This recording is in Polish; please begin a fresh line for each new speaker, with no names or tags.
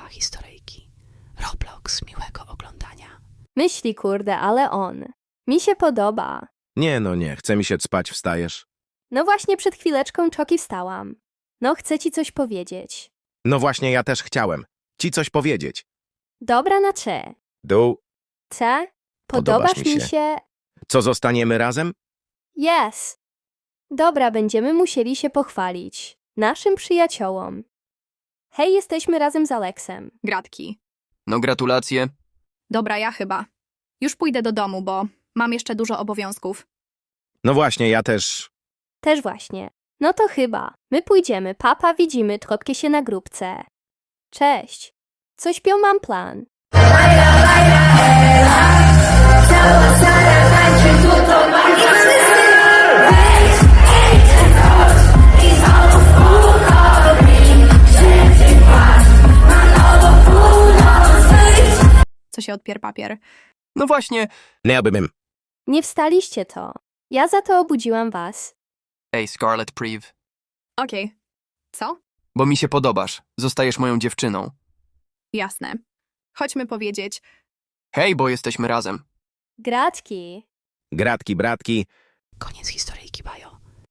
historyjki. Roblox, miłego oglądania.
Myśli, kurde, ale on. Mi się podoba.
Nie, no nie, chce mi się spać, wstajesz.
No właśnie przed chwileczką Czoki wstałam. No chcę ci coś powiedzieć.
No właśnie, ja też chciałem ci coś powiedzieć.
Dobra na cze.
Dół,
Ce?
Podobasz
Podobasz
mi
mi
się.
się?
co zostaniemy razem?
Yes. Dobra, będziemy musieli się pochwalić. Naszym przyjaciołom. Hej, jesteśmy razem z Aleksem.
Gratki.
No gratulacje.
Dobra, ja chyba. Już pójdę do domu, bo mam jeszcze dużo obowiązków.
No właśnie, ja też.
Też właśnie. No to chyba. My pójdziemy. Papa, widzimy Tropkie się na grupce. Cześć. Co śpią, mam plan.
Co się odpier papier.
No właśnie.
Nie bym.
Nie wstaliście to. Ja za to obudziłam was.
Ej, Scarlet Priv.
Okej. Co?
Bo mi się podobasz. Zostajesz moją dziewczyną.
Jasne. Chodźmy powiedzieć.
Hej, bo jesteśmy razem.
Gratki.
Gratki, bratki.
Koniec historyjki.